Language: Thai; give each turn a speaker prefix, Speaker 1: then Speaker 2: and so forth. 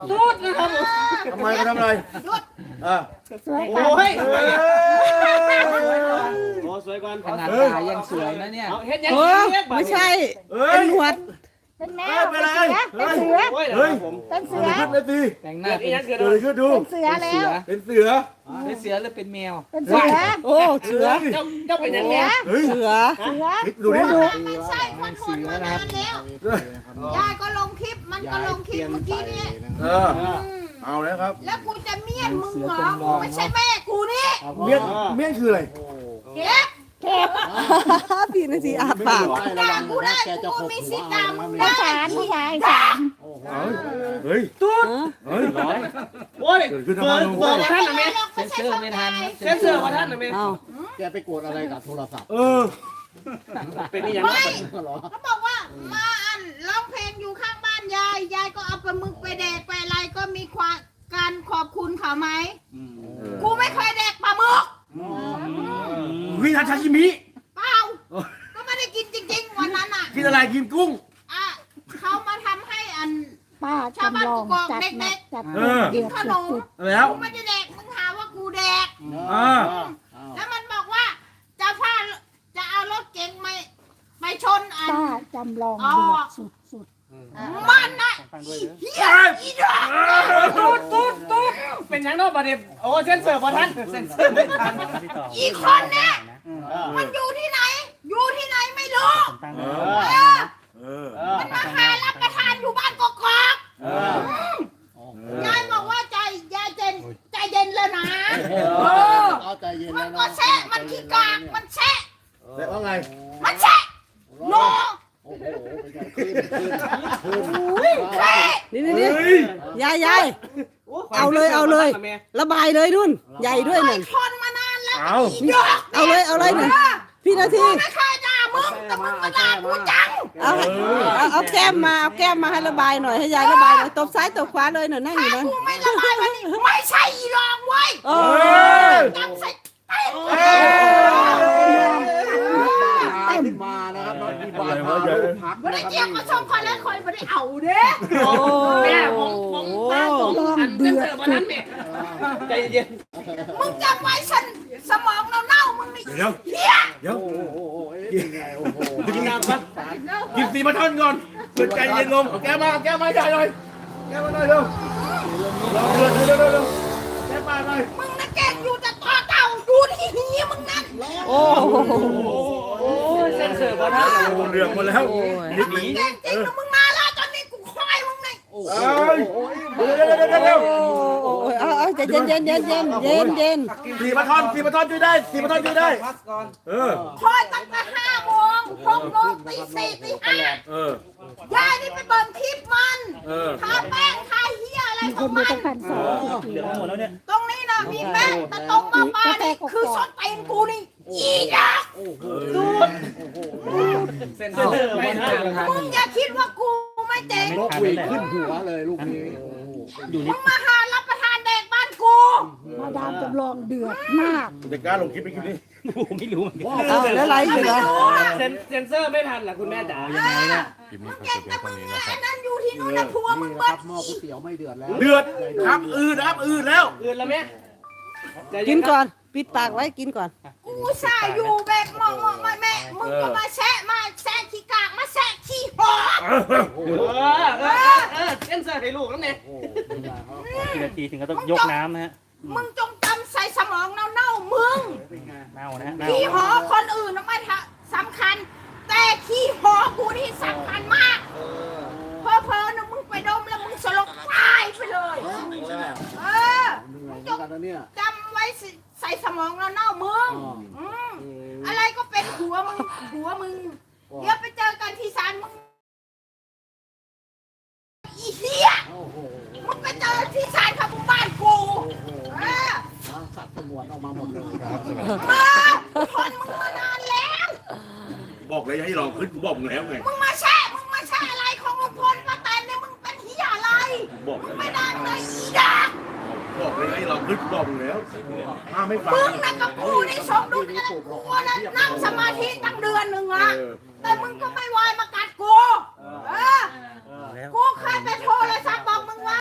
Speaker 1: ตูดนะครับ
Speaker 2: ทำไมเขาทำอะไร
Speaker 1: หยุด
Speaker 2: อ่ะ
Speaker 1: สวย
Speaker 3: โอ้ย
Speaker 1: โอ้สวยก่อน
Speaker 3: ขนาดตายังสวยนะเนี่ย
Speaker 1: เอาเฮ็ดยัง
Speaker 4: โอ้
Speaker 1: เฮ็ด
Speaker 4: ไม่ใช่
Speaker 2: เฮ้
Speaker 4: เป็น
Speaker 2: ย
Speaker 4: หนวด
Speaker 5: เป็นแม
Speaker 2: เฮ้
Speaker 5: วย
Speaker 2: เป็นไร
Speaker 5: เป็นเสือ
Speaker 1: โอ้ย
Speaker 2: เฮ้ย
Speaker 1: ผม
Speaker 5: เป็นเสื
Speaker 2: เกิ
Speaker 5: อ
Speaker 2: ดอะไรขึ้นเลยสิ
Speaker 3: แต่งหน้า
Speaker 1: เกิด
Speaker 3: เป็น
Speaker 1: อีหยังเกิด
Speaker 2: เกิดอะไรขึ้นดู
Speaker 5: เป็นเสือแล้ว
Speaker 2: เป็นเสือ
Speaker 3: เป็นเสือหรือเป็นแมว
Speaker 5: เป็นเสือ
Speaker 4: โอ้เสือ
Speaker 1: เจ้าเป็นยังไง
Speaker 2: เฮ้ย
Speaker 4: เสือ
Speaker 5: เสือ
Speaker 2: ดูดิ
Speaker 5: ไม่ใช่คนโหดมานานแล้วยายก็ลงคลิปมันก็ลงคลิปเมื่อกี้นี้
Speaker 2: เออเอาแล้วครับ
Speaker 5: แล้วกูจะเมียนมึงเหรอกูไม่ใช่แม่กูนี่
Speaker 2: เมี่ยงเมี่ยงคืออะไร
Speaker 5: เก็บ
Speaker 4: พี่นาทีอาปาก
Speaker 5: ด่ากูได้กูมีสิทธิ์ด่ามึงได้
Speaker 4: สารผู้ชายสาร
Speaker 2: เฮ้ย เฮ้ย
Speaker 1: โอ้ย
Speaker 2: เกิดขึ้นทำ
Speaker 1: เปิ
Speaker 2: ไม
Speaker 1: ดเปิดท่านนะแม่
Speaker 3: เซนเซอร์ไม่ทัน
Speaker 1: เซนเซอร์ว่าท่านนะแม่
Speaker 4: เอา
Speaker 6: แกไปกดอะไรกับโทรศัพท์
Speaker 2: เออ
Speaker 1: เป็นนี่ยังไง
Speaker 6: เหรอ
Speaker 5: เขาบอกว่ามาร้องเพลงอยู่ข้างบ้านยายยายก็เอาปลาหมึกไปแดกไปอะไรก็มีความการขอบคุณเขาไหมกูไม่เคยแดกปลาหมึก
Speaker 2: วิทาชาชิมิ
Speaker 5: เปล่าก็ไม่ได้กินจริงๆวันนั้นอ่ะ
Speaker 2: กินอะไรกินกุ้ง
Speaker 5: อ่ะเขามาทำให้
Speaker 7: ป้า
Speaker 5: ชาวบ้าน
Speaker 7: จำลอง
Speaker 5: กอก
Speaker 7: จัด
Speaker 5: เด็
Speaker 7: หนั
Speaker 5: ก
Speaker 7: กจัด
Speaker 2: เออ
Speaker 5: ๆกินขนม
Speaker 2: แล้ว
Speaker 5: กูไม่ได้แดกมึงหาว่ากูแดก
Speaker 2: อ่า
Speaker 5: แล้วมันบอกว่าจะพาจะเอารถเก๋งไปชน
Speaker 7: ป้าจำลอง
Speaker 5: อ๋อ
Speaker 7: เดือดสุด
Speaker 5: มันนะเฮียอีดอก
Speaker 1: ตูดเป็นยังนอกประเด็นโอ้เซนเซอร์ว่าท่านเซนเซอร์ไม่ทัน
Speaker 5: อีกคนเนี่ยมันอยู่ที่ไหน อยู่ที่ไหนไม่รู้
Speaker 2: เอ
Speaker 5: เอ
Speaker 2: อ
Speaker 5: อ
Speaker 2: เออ
Speaker 5: มันมาหารับประทานอยู่บ้านกอกยายบอกว่าใจยายใจเย็นเลยนะเออ
Speaker 6: เอาใจเย็น
Speaker 5: มั
Speaker 6: แล้
Speaker 5: น
Speaker 6: ว
Speaker 5: ก็
Speaker 6: นะ
Speaker 5: แชะมันขี้กากมันแชะ
Speaker 2: แต่ว่าไง
Speaker 5: มันแชะโน
Speaker 6: โอ้โหเป็นไงขึ้นขึ้น
Speaker 5: แชะ
Speaker 4: นี่นี่
Speaker 2: เฮ้ย
Speaker 4: ยายเอาเลยระบายเลยนุ่นใหญ่ด้วยหนึ่ง
Speaker 5: ทนมานานแล้ว
Speaker 2: เอา
Speaker 5: อีดอก
Speaker 4: เอาเลยหนึ่งพี่นาที
Speaker 5: กูไม่เคยด่ามึงแต่มึงมาด่ากูจัง
Speaker 4: เอาแก้มมาให้ระบายหน่อยให้ยายระบายหน่อยตบซ้ายตบขวาเลยหน่อยนั่งอยู่นั้น
Speaker 5: กูไม่ระบายวันนี้ไม่ใช่อีรองเว้ย
Speaker 4: โอ้
Speaker 5: จังใส่
Speaker 6: มานะครับน้องดีบา
Speaker 2: อะไร
Speaker 6: พาว
Speaker 2: ะใหญ่
Speaker 6: ลูกพัก
Speaker 5: ไม่
Speaker 6: นะ
Speaker 5: ได้
Speaker 6: ครับ
Speaker 5: เกี่ยวกับชมคนแล้วคอยไม่ได้เอาเด้
Speaker 1: แม่ผมตาผมอันเซนเซอร์ว่าท่านแม่ใจเย็น
Speaker 5: มึงจำไว้ฉันสมองเน่าๆมึงนี่
Speaker 2: เดี๋ยว
Speaker 5: เฮีย
Speaker 2: เดี๋ยว
Speaker 6: โอ้โหเป็นไงโอ้โห
Speaker 2: กินน้ำครับกินสีมาท่อนก่อนเปิดใจเย็นลงแก้มาใหญ่หน่อยแก้มาหน่อยเร็วเร็วแก้มาหน่อย
Speaker 5: มึงน่ะเก่งอยู่แต่ต่อเต่าดูที่หีมึงนั่น
Speaker 4: โอ้
Speaker 1: โอ้เซนเซอร์ว่าท่าน
Speaker 2: โอ้เรื่องหมดแล้วนิดหนี
Speaker 5: เก่งจริงนะมึงมาแล้วตอนนี้กูคอยมึงนี่
Speaker 2: เอ้ยเร็ว
Speaker 4: เอาใจเย็น
Speaker 2: สีมาท่อนช่วยได้สีมาท่อนช่วยได้เออ
Speaker 5: คอยตั้งแต่5 โมง 6 โมงตี 4 ตี
Speaker 2: เออ
Speaker 5: 5ยายนี่ไปเบิ่งคลิปมัน
Speaker 2: เออ
Speaker 5: ทาแป้งทาเฮียอะไร
Speaker 7: ๆ
Speaker 5: ข
Speaker 7: ค
Speaker 5: อน ง
Speaker 7: ดู
Speaker 5: มัน
Speaker 7: ตั้งพันสอง
Speaker 1: เหลือหมดแล้วเนี่ย
Speaker 5: ตรงนี้นะมีแป้งแต่ตรงมาปานี่คือส้นตีนกูนี่อีดัก
Speaker 1: เซนเซอร์ไม่ทัน
Speaker 5: มึงอย่าคิดว่ากูไม่เจ๋ง
Speaker 6: นกหวีดขึ้นหัวเลยลูกนี้โอ้โห
Speaker 5: มึงมาหารับประทานเด็กบ้านกู
Speaker 7: มาดามจำลองเดือดมาก
Speaker 2: เด็กกล้าลงคลิปไปคลิปนี้
Speaker 1: ผมไม่รู้
Speaker 4: เอาแล้วไรอยู่เหรอ
Speaker 1: เซนเซอร์ไม่ทันเหรอคุณแม่จ๋า
Speaker 5: มึงเก่งแต่มึงไอ้นั่นอยู่ที่นู่นนะผัวมึง
Speaker 6: นี่นะค
Speaker 5: เบิ้
Speaker 6: รับหม้อ
Speaker 5: อี
Speaker 6: ก๋วยเตี๋ยวไม่เดือดแล้ว
Speaker 2: เดือดครับอืดแล้ว
Speaker 1: อื่นแล้วแม่
Speaker 4: กินก่อนปิดปากไว้กินก่อน
Speaker 5: กูสายอยู่แบกมองแม่มึงก็มาแซะขี้กากมาแซะขี้หอ
Speaker 1: เซนเซอร์ให้ลูกแล้วเนี่ย
Speaker 6: โอ้โหเป็นไงครับ
Speaker 8: กี่นาทีถึงก็ต้องยกน้ำนะฮะ
Speaker 5: มึงจงจำใส่สมองเน่าๆมึง
Speaker 8: เน่านะฮะเน่า
Speaker 5: ขี้หอคนอื่นไม่สำคัญ แต่ขี้หอกูนี่สำคัญมากเพอๆนะมึงไปดมแล้วมึงสลบตายไปเลยเออ
Speaker 6: เหนื่อยเหมือนกันนะเนี่ย
Speaker 5: จำไว้ใส่สมองเน่าๆมึงอะไรก็เป็นหัวมึงเดี๋ยวไปเจอกันที่ศาลมึงอีเหี้ย
Speaker 6: โอ้โห
Speaker 5: มึงไปเจอที่ศาลขับบ้านกู
Speaker 6: โอ้โห
Speaker 5: เออ
Speaker 6: สัตว์สงวนออกมาหมดเลยครับ
Speaker 5: มาทนมึงมานานแล้ว
Speaker 2: บอกเลยให้ลองขึ้นกูบอกมึงแล้วไง
Speaker 5: มึงมาแช่อะไรของลุงพลป้าแตนเนี่ยมึงเป็นเหี้ยอะไร
Speaker 2: บอกเลย
Speaker 5: ไม่ได้เลยอีดา
Speaker 2: บอกเลยให้ลองขึ้นกูบอกมึงแล้วไม่ฟัง
Speaker 5: มึงนะกับกูนี่สมดุลกันกูนะนั่งสมาธิตั้งเดือนหนึ่งอะแต่มึงก็ไม่วายมากัดกูเออกูเคยไปโทร